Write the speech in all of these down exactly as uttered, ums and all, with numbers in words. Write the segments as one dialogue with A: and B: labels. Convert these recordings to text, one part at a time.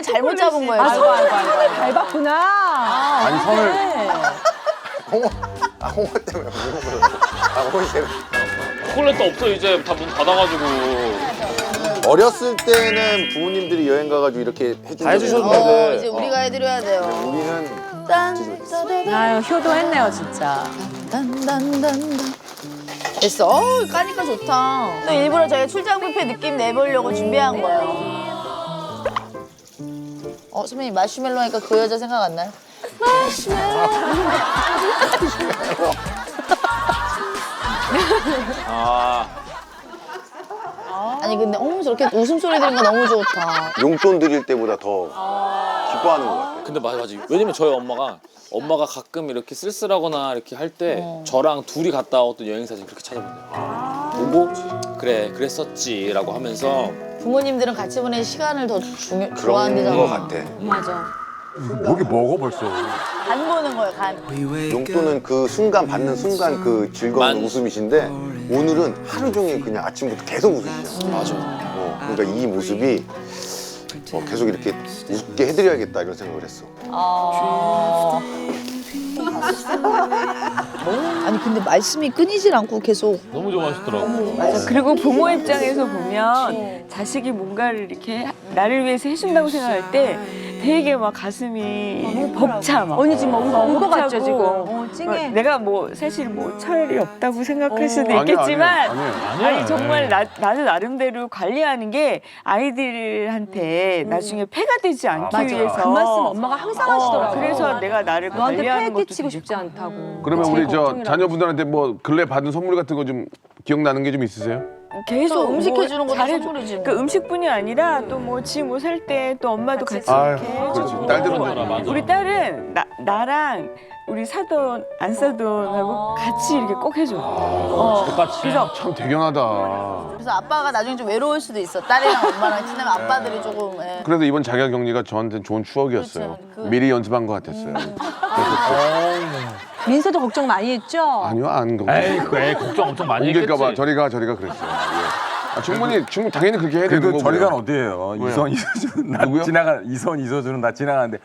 A: 잘못 잡은 거예요.
B: 아, 손을 손을 밟았구나.
A: 아,
C: 아니, 손을.
A: 네.
D: 홍어, 아, 홍어 때문에 홍어 때문에. 아, 홍어 때문에.
E: 초콜릿도 없어 이제 다 문 닫아가지고.
D: 어렸을 때는 부모님들이 여행 가가지고 이렇게 해준
E: 다 해주셨는데.
A: 어, 이제 우리가 해드려야 돼요.
D: 우리는
A: 딴,
B: 아유, 효도했네요, 진짜.
A: 딴딴딴딴. 됐어. 어, 까니까 좋다. 또 일부러 저희 출장 뷔페 느낌 내보려고 준비한 거예요. 어, 선배님 마시멜로 하니까 그 여자 생각 안 나요? 마시멜로.
E: 아.
A: 아니 근데 어머 저렇게 웃음소리 들으니까 너무 좋다.
D: 용돈 드릴 때보다 더 기뻐하는 것 같아.
E: 근데 맞아 맞아. 왜냐면 저희 엄마가 엄마가 가끔 이렇게 쓸쓸하거나 이렇게 할 때
A: 어.
E: 저랑 둘이 갔다 왔던 여행 사진 그렇게 찾아본대요. 보고 그래 그랬었지라고 하면서
A: 부모님들은 같이 보낸 시간을 더 중요,
D: 그런
A: 좋아한대잖아.
D: 것 같아.
A: 맞아.
C: 목이 먹어 벌써.
A: 간 보는 거예요, 간.
D: 용돈은 그 순간 받는 순간 그 즐거운
E: 만-
D: 웃음이신데 오늘은 하루 종일 그냥 아침부터 계속 웃으시죠.
E: 맞아.
D: 어, 그러니까 이 모습이 어, 계속 이렇게 웃게 해드려야겠다 이런 생각을 했어.
A: 아... 아니 근데 말씀이 끊이질 않고 계속.
E: 너무 좋아하시더라고.
B: 맞아. 그리고 부모 입장에서 보면 자식이 뭔가를 이렇게 나를 위해서 해준다고 생각할 때 되게 막 가슴이 벅차 막.
F: 언니 지금 울것 같죠,
B: 벅차고.
F: 지금? 어, 찡해.
B: 내가 뭐 사실 뭐 철이 없다고 생각할 수도
C: 아니야,
B: 있겠지만
C: 아니야,
E: 아니야.
B: 아니 정말 나, 나는 나름대로 관리하는 게 아이들한테 나중에 폐가 되지 않기
F: 맞아.
B: 위해서
F: 그 말씀 엄마가 항상 하시더라고.
B: 그래서 내가 나를
F: 너한테 폐
B: 관리하는 것도
F: 끼치고
B: 되게
F: 싶지 않다고.
C: 그러면
F: 제일
C: 우리 저
F: 걱정이라고.
C: 자녀분들한테 뭐 근래 받은 선물 같은 거 좀 기억나는 게 좀 있으세요?
B: 계속
A: 또 음식
B: 뭐
A: 해주는 것도
B: 잘해줘.
A: 선물이지 뭐.
B: 그 음식뿐이 아니라 또 뭐 지 뭐 살 때 또 엄마도 같이
C: 아유,
B: 이렇게
C: 그렇지.
B: 해주고.
C: 딸들은
E: 맞아, 맞아.
B: 우리 딸은 나, 나랑 우리 사돈 안 사돈하고 같이 이렇게 꼭 해줘. 어.
E: 똑같이.
B: 그래서
C: 참 대견하다.
A: 그래서 아빠가 나중에 좀 외로울 수도 있어. 딸이랑 엄마랑 친하면 아빠들이 조금. 예.
C: 그래도 이번 자가 격리가 저한테는 좋은 추억이었어요.
A: 그렇죠. 그-
C: 미리 연습한 것 같았어요.
F: 민서도 걱정 많이 했죠?
C: 아니요, 안 그거.
E: 에이 그 애 걱정 엄청 많이 했겠지.
C: 옮길까봐 저리가 저리가 그랬어요. 예. 아, 충분히 충분 당연히 그렇게 해야 되는
G: 그래도
C: 거고요.
G: 저리간 어디예요?
C: 왜요?
G: 이선 이서준 나
C: 누구요?
G: 지나가 이선 이서준은 나 지나가는데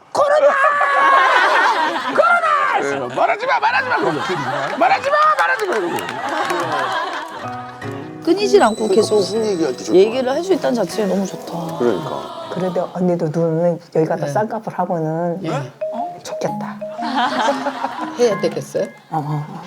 C: 예, 말하지 마, 말하지 마, 그러고. 말하지 마, 말하지 마, 이러고.
A: 끊이질 않고 계속
D: 무슨 얘기할 때 좋다.
A: 얘기를 할 수 있다는 자체가 너무 좋다.
D: 그러니까.
H: 그래도 언니도 눈은 여기 가서 쌍꺼풀 하면은 좋겠다.
I: 해야 되겠어요?
H: 어.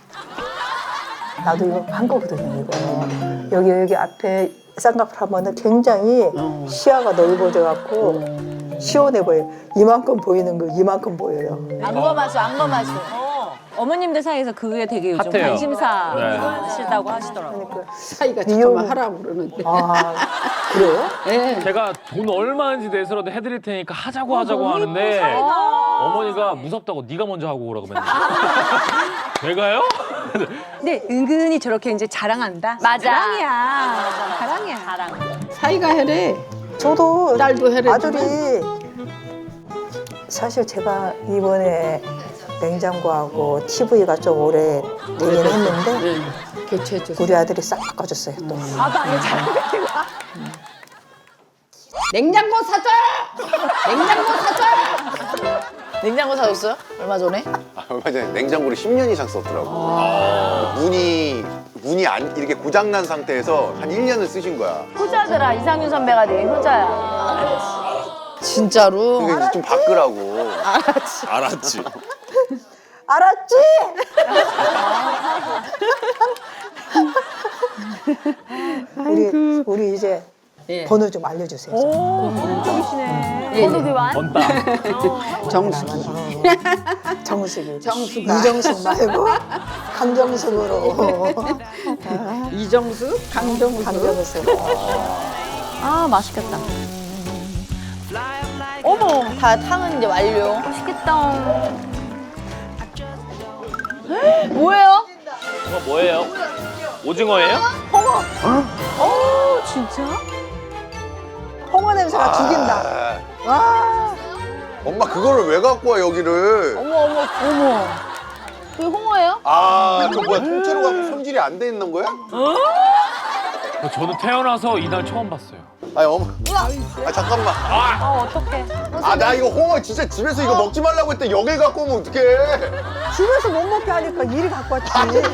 H: 나도 이거 한 거거든요, 이거. 여기 여기 앞에 쌍꺼풀 하면은 굉장히 시야가 넓어져 갖고 시원해 보여요. 이만큼 보이는 거 이만큼 보여요.
A: 안검하수, 안검하수.
F: 어머님들 사이에서 그게 되게 요즘
E: 핫해요.
F: 관심사
E: 네.
F: 하시다고 하시더라고요.
H: 그러니까
I: 사이가
H: 미용-
I: 잠깐만 하라고 그러는데.
H: 아 그래요?
I: 예.
E: 제가 돈 얼마인지 내서라도 해드릴 테니까 하자고 하자고 하는데 어머니가 무섭다고 네가 먼저 하고 오라고 맨날. 내가요?
F: 근데 은근히 저렇게 이제 자랑한다?
A: 맞아.
F: 자랑이야. 자랑이야.
A: 자랑.
I: 사이가 해래.
H: 저도
I: 딸도 해래.
H: 아들이 사실 제가 이번에 냉장고하고 티비가 좀 오래 되긴 했는데
I: 네. 교체해줘.
H: 우리 아들이 싹 바꿔줬어요 또.
F: 아빠 아니 자랑이야.
I: 냉장고 사줘. 냉장고 사줘.
A: 냉장고 사줬어요? 얼마 전에?
D: 아, 얼마 전에 냉장고를 십 년 이상 썼더라고. 문이 문이 안 이렇게 고장 난 상태에서 한 일 년을 쓰신 거야.
A: 효자더라. 이상윤 선배가 내 효자야. 진짜로?
D: 그러니까 이제 좀 바꾸라고.
A: 알았지.
E: 알았지.
H: 알았지? 우리 우리 이제
I: 예.
H: 번호 좀 알려주세요.
A: 번호 교환?
E: 번따.
I: 정숙이.
H: 정숙이.
I: 정숙아.
H: 이정숙 말고 강정숙으로.
I: 이정수, 강정수.
H: 강정숙.
F: 아 맛있겠다.
A: 어머, 다 탕은 이제 완료.
F: 맛있겠다.
A: 뭐예요?
E: 이거 뭐예요? 오징어예요?
F: 어 진짜?
H: 홍어 냄새가 죽인다.
D: 아,
H: 와.
D: 엄마 그거를 왜 갖고 와 여기를?
A: 어머, 어머, 어머. 그게 홍어예요?
D: 아, 저 뭐야 통째로 갖고 손질이 안 돼 있는 거야?
E: 저는 태어나서 이날 처음 봤어요.
D: 아니 어머. 아 잠깐만.
A: 어 어떡해.
D: 아 나 이거 홍어 진짜 집에서 이거 먹지 말라고 했더니 여길 갖고 오면 어떡해.
H: 집에서 못 먹게 하니까 이리 갖고 왔지.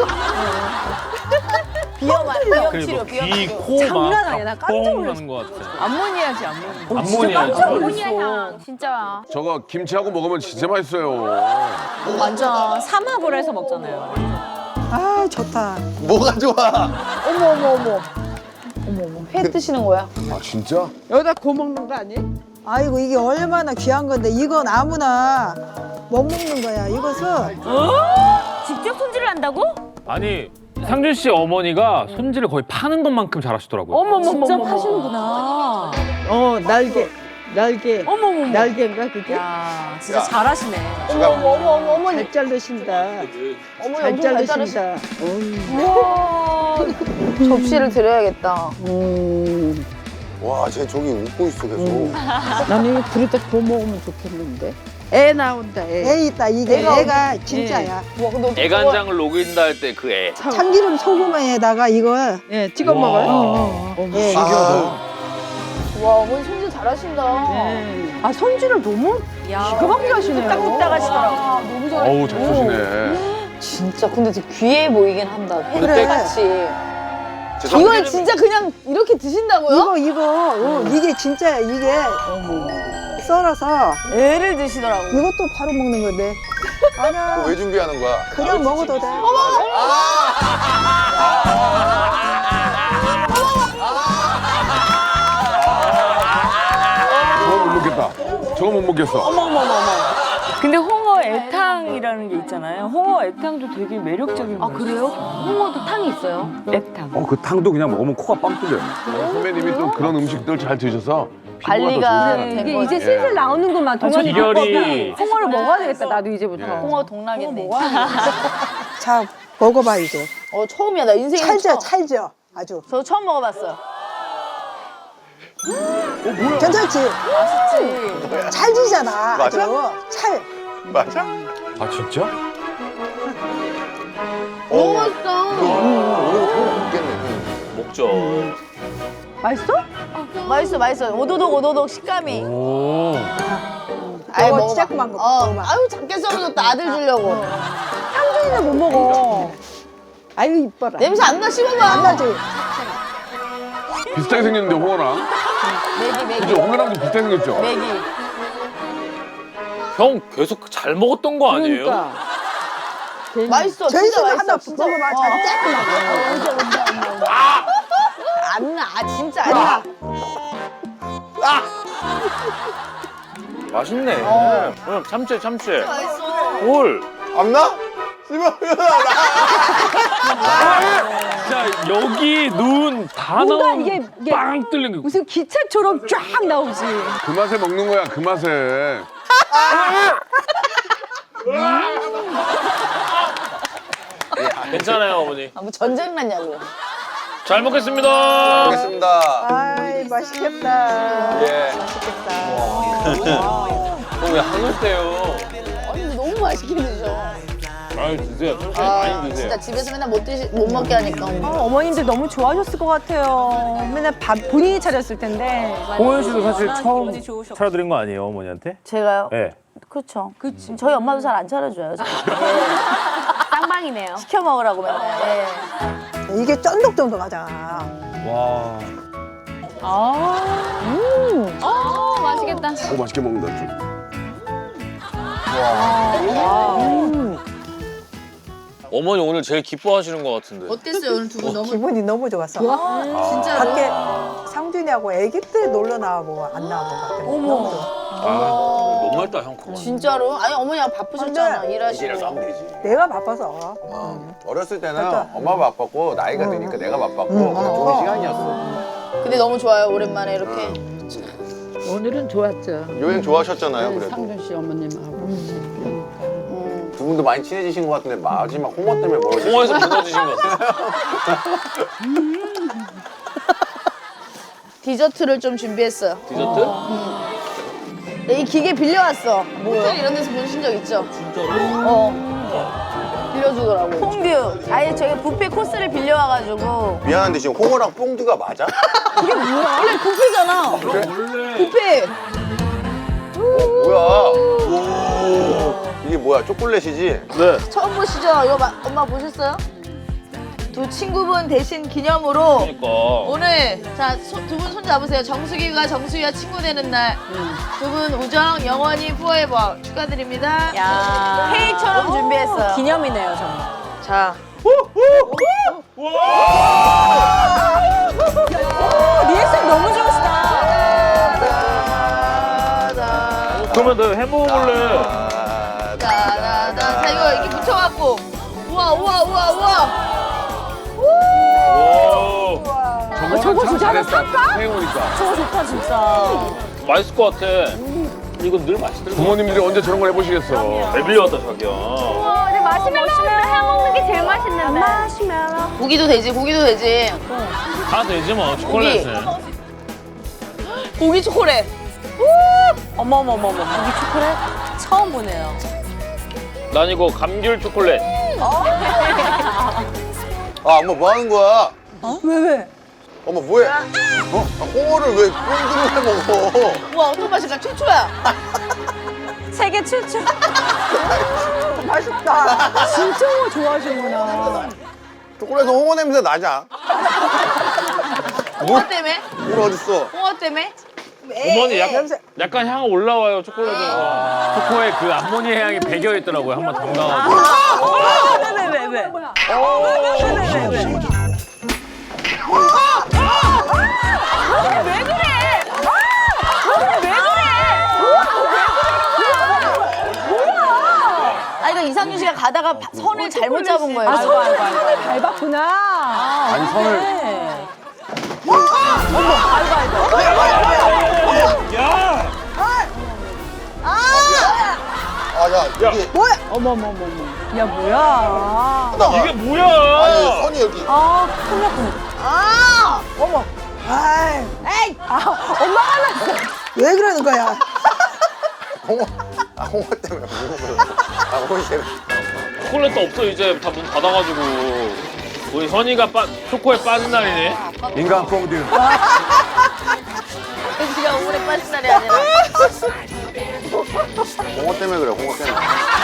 A: 비염 비염
E: 그리고
A: 치료 비염
E: 귀,
A: 치료.
E: 코
F: 장난
E: 막
F: 아니야. 나 깜짝
E: 뻥
F: 놀랐어.
E: 나는 것 같아.
B: 암모니아지 암모니아.
E: 암모니아.
A: 아모니아 향 진짜.
C: 저거 김치하고 먹으면 진짜 맛있어요.
A: 완전
B: 삼합을 해서 먹잖아요.
H: 아 좋다.
D: 뭐가 좋아?
A: 어머 어머 어머. 어머 어머 회 뜨시는 거야?
C: 아 진짜?
I: 여기다 구워 먹는 거 아니?
H: 아이고 이게 얼마나 귀한 건데 이건 아무나 못 먹는 거야. 이것은
B: 직접 손질을 한다고?
E: 아니 상준 씨 어머니가 손질을 거의 파는 것만큼 잘하시더라고요.
B: 어머머머. 직접 하시는구나.
I: 어 날개 날개
B: 어머머머.
I: 날개인가 그게?
B: 야 진짜
D: 야.
B: 잘하시네.
A: 어머 어머 어머 어머 어머니.
I: 잘 자르신다.
A: 어머니
I: 잘
A: 엄청 잘 자르시.
I: 자르신다. 음.
A: 우와. 접시를 드려야겠다.
I: 음.
D: 와, 쟤 저기 웃고 있어 계속.
I: 나는 이거 그릇에 구워 먹으면 좋겠는데. 애 나온다 애.
H: 애 있다. 이게
A: 애가
H: 애가 진짜야.
A: 와 근데 어떡해.
E: 애간장을 녹인다 할 때 그 애.
H: 참기름 소금에다가 이거
I: 예 찍어
E: 와.
I: 먹어요.
H: 어,
I: 어머.
H: 예.
D: 아,
A: 와 어머니 손질 잘하신다.
I: 네.
F: 아 손질을 너무 기가 막히게 하시네요.
B: 뚝딱뚝딱 하시더라고.
A: 아, 너무 잘해.
C: 어우 잘 쓰시네.
A: 진짜 근데 되게 귀해 보이긴 한다.
H: 그래.
A: 같이.
D: 제
A: 이걸
D: 참기름이-
A: 진짜 그냥 이렇게 드신다고요?
H: 이거 이거 어, 이게 진짜야. 이게 썰어서
A: 애를 드시더라고.
H: 이것도 바로 먹는 건데. 아니야.
D: 그거 왜 준비하는 거야?
H: 그냥 먹어도 돼.
C: 저거 못 먹겠다. 저거 못 먹겠어.
B: 근데 홍어 애탕이라는 게 있잖아요. 홍어 애탕도 되게 매력적인 거예요. 아 그래요?
A: 홍어도 탕이 있어요.
B: 애탕.
G: 어, 그 탕도 그냥 먹으면 코가 빵 뚫려요.
C: 어, 선배님이 또 그런 음식들 잘 드셔서 피부가
A: 관리가
C: 더
A: 된
C: 좋으시잖아요.
F: 이게
A: 거야.
F: 이제 슬슬 나오는구만. 동안이
E: 비결이
F: 홍어를 먹어야 되겠다. 나도 이제부터.
C: 예.
A: 홍어 동락이네.
H: 자 먹어봐 이제.
A: 어 처음이야 나 인생에
H: 찰져
A: 처음.
H: 찰져. 아주.
A: 저 처음 먹어봤어요.
H: 괜찮지?
A: 맛있지.
H: 찰지잖아. 아주.
D: 맞아?
H: 찰.
D: 맞아?
E: 아 진짜?
A: 너무 맛있다.
D: 먹겠네.
E: 먹죠.
F: 맛있어?
A: 맛있어 맛있어. 오도독 오도독 식감이.
E: 오.
A: 아이
H: 먹어,
A: 먹어봐.
H: 조그만 거,
A: 어.
H: 먹어봐.
A: 아유 작게 썰어줬다 아들 주려고.
F: 상준이는 못 먹어.
I: 아유 이뻐라.
A: 냄새 안 나 씹어봐.
H: 안 나지?
C: 비슷하게 생겼는데 홍어랑.
A: 매기 매기.
C: 그죠? 홍어랑도 비슷하게 생겼죠?
A: 매기.
E: 형 계속 잘 먹었던 거 아니에요?
I: 그러니까.
A: 맛있어.
H: 저희
A: 진짜
H: 집에
A: 맛있어.
H: 하나
A: 진짜.
H: 먹어봐.
A: 어.
H: 잘 쬐끔하게.
A: 안 나. 아, 진짜 안 나.
E: 맛있네.
A: 어.
E: 응, 참치 참치.
A: 맛있어.
E: 올.
D: 안 나? 씹어.
E: 자 여기 눈 다
F: 뭔가
E: 나오는
F: 이게- 이게-
E: 빵 뚫린 거.
F: 무슨 기차처럼 쫙 나오지.
C: 그 맛에 먹는 거야 그 맛에.
E: 괜찮아요 어머니.
A: 아, 뭐 전쟁 났냐고.
E: 잘 먹겠습니다.
D: 먹겠습니다.
H: 아이 맛있겠다.
D: 예.
E: 왜 한국 때요?
A: 아니 근데 너무 맛있게 드셔.
E: 아유 드세요. 천천히
A: 아,
E: 많이 드세요.
A: 진짜 집에서 맨날 못 드시 못 먹게 하니까.
F: 아, 어머님들 너무 좋아하셨을 것 같아요. 맨날 밥 본인이 차렸을 텐데.
E: 홍현 씨도 사실 처음 차려드린 거 아니에요 어머니한테?
A: 제가요?
E: 네.
A: 그렇죠. 그치. 저희 엄마도 잘 안 차려줘요. 쌍방이네요. 시켜 먹으라고 맨날. 예.
H: 이게 쫀득쫀득하잖아.
E: 와.
A: 어 맛있겠다.
C: 오 맛있게 먹는다 좀.
E: 어머니 오늘 제일 기뻐하시는 것 같은데.
A: 어땠어요 오늘 두 분 너무
H: 기분이 너무 좋았어.
A: 진짜로?
H: 밖에 상준이하고 아기 때 놀러 나와보고 안 나와본 것 같아. 너무 좋아.
E: 아, 너무 맛있다 형 그거.
A: 진짜로? 아니 어머니가 바쁘셨잖아
H: 근데
A: 일하시고.
H: 내가 바빠서.
D: 어. 어렸을 때는
H: 맞아.
D: 엄마가 바빴고 나이가 드니까 내가 바빴고
H: 응.
D: 그냥
H: 어.
D: 좋은 시간이었어.
A: 근데 너무 좋아요 오랜만에 이렇게.
I: 오늘은 좋았죠.
D: 여행 좋아하셨잖아요 그래도.
I: 상준 씨 어머님하고.
D: 두 분도 많이 친해지신 것 같은데 마지막 홍어 때문에 멀어지신
E: 홍어에서 무너지신 것 같아요.
A: 디저트를 좀 준비했어요.
E: 디저트?
A: 네, 이 기계 빌려왔어. 호텔 이런 데서 보신 적 있죠?
E: 진짜로?
A: 어. 빌려서 만들어주더라고. 퐁듀. 아예 저희 뷔페 코스를 빌려와가지고.
D: 미안한데 지금 홍어랑 뽕두가 맞아?
A: 이게 뭐야? 원래 뷔페잖아.
E: 원래
A: 뷔페.
D: 어, 뭐야? 이게 뭐야? 초콜릿이지?
E: 네.
A: 처음 보시죠? 이거 마- 엄마 보셨어요? 두 친구분 대신 기념으로
E: 그러니까.
A: 오늘 자 두 분 손 잡으세요. 정수기가 정수기와 친구 되는 날. 두 분 우정 영원히 포에버 축하드립니다.
B: 야.
A: 케이크처럼 준비했어요.
B: 기념이네요, 정말.
A: 자.
B: 리액션 너무 좋으시다.
E: 그러면 너 해먹을래?
A: 나나나 자 이거 이렇게 붙여갖고 우와 우와 우와 우와.
E: 오.
C: 저거 저거 진짜 잘했다. 생각해보니까.
B: 저거 좋다, 진짜.
E: 맛있을 것 같아. 이건 늘 맛있더라고.
C: 부모님들이 언제 저런 걸 해보시겠어.
E: 왜 빌려왔다 자기야.
B: 근데 마시멜로를 해 먹는 게 제일 맛있는데. 마시멜로.
A: 고기도 되지 고기도 되지.
E: 다 되지 뭐 초콜릿은.
A: 고기 초콜릿.
B: 어머머머머. 고기 초콜릿? 처음 보네요.
E: 난 이거 감귤 초콜릿.
D: 아, 엄마 뭐 하는 거야?
F: 왜 왜?
D: 엄마 뭐해? 어? 아, 홍어를 왜 뽕두로 해 먹어?
A: 우와 어떤 맛일까? 최초야.
B: 세계 최초.
H: 맛있다.
F: 진짜 홍어 좋아하시는구나.
D: 초콜릿은 홍어 냄새 나자.
A: 홍어 때문에?
D: 물 어딨어?
A: 홍어 때문에?
E: 어머니 약간, 약간 향 올라와요 초콜릿에서. 초코에 그 암모니아 향이 배겨 있더라고요. 한번 담가가지고.
B: 왜, 왜, 왜, 왜?
A: 아 이거 이상준 씨가 가다가 바- 선을 잘못 잡은 거예요.
F: 아,
A: 지금.
F: 손을 손을 밟았구나.
G: 아니 선을
E: 야!
D: 아, 야, 이게.
F: 어머머머머. 야, 뭐야.
D: 나,
E: 이게 뭐야?
D: 아니, 선이 여기.
F: 아, 큰일 났구나.
A: 아!
H: 어머. 아이,
A: 에이!
F: 아, 엄마가 났어.
H: 왜 그러는 거야?
D: 홍어, 아, 홍어 때문에 무슨 거야? 아, 홍어 때문에.
E: 초콜릿도 없어 이제 다 문 닫아가지고. 우리 선이가 빠, 초코에 빠진 날이네.
G: 인간 뽕듀.
A: 지가 오래 빠진 날이 아니라.
D: 홍어 때문에 그래, 홍어 때문에.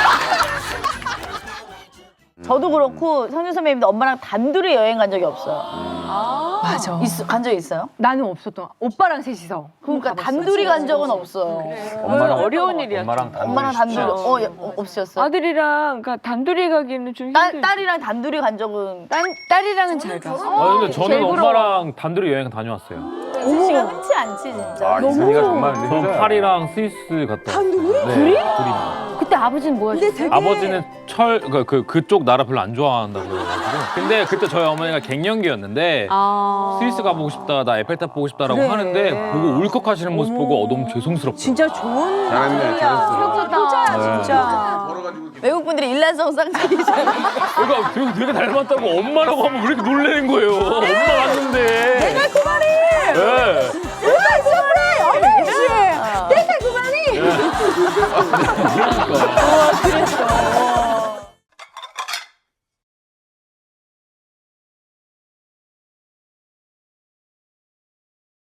A: 저도 그렇고 성준 선배님도 엄마랑 단둘이 여행 간 적이 없어요.
F: 맞아.
A: 있어, 간 적 있어요?
F: 나는 없었던. 오빠랑 셋이서.
A: 그러니까 단둘이 간 적은 없어요.
G: 엄마랑
B: 어려운 일이야.
G: 엄마랑 단둘이
A: 엄마랑 단둘이
G: 쉽지
A: 어,
G: 않지.
A: 예, 어, 없으셨어요?
B: 아들이랑 그러니까 단둘이 가기는 좀
A: 딸,
B: 힘들.
A: 딸이랑 단둘이 간 적은
B: 딸 딸이랑은 잘 가.
E: 아 근데 저는 엄마랑 단둘이 여행 다녀왔어요.
A: 시가 흔치 않지 진짜.
G: 아 이선이가 정말 근데
E: 전
G: 효자야.
E: 파리랑 스위스 갔다. 단둘이? 네, 둘이? 둘이만.
B: 그때 아버지는 뭐 하셨어요?
E: 아버지는 철, 그, 그, 그쪽 나라 별로 안 좋아한다고 그래가지고. 근데 그때 저희 어머니가 갱년기였는데
B: 아.
E: 스위스 가보고 싶다, 나 에펠탑 보고 싶다라고
F: 그래.
E: 하는데 보고 울컥하시는 모습 보고 어, 너무 죄송스럽다.
F: 진짜 좋은
G: 잘했네, 잘했어.
F: 효자야,
E: 네.
F: 진짜.
A: 외국 분들이 일란성 쌍둥이잖아.
E: 그러니까 되게, 되게 닮았다고 엄마라고 하면 왜 이렇게 놀라는 거예요. 엄마 맞는데. 내가 그 말이. 네.
F: 내가 그 말이.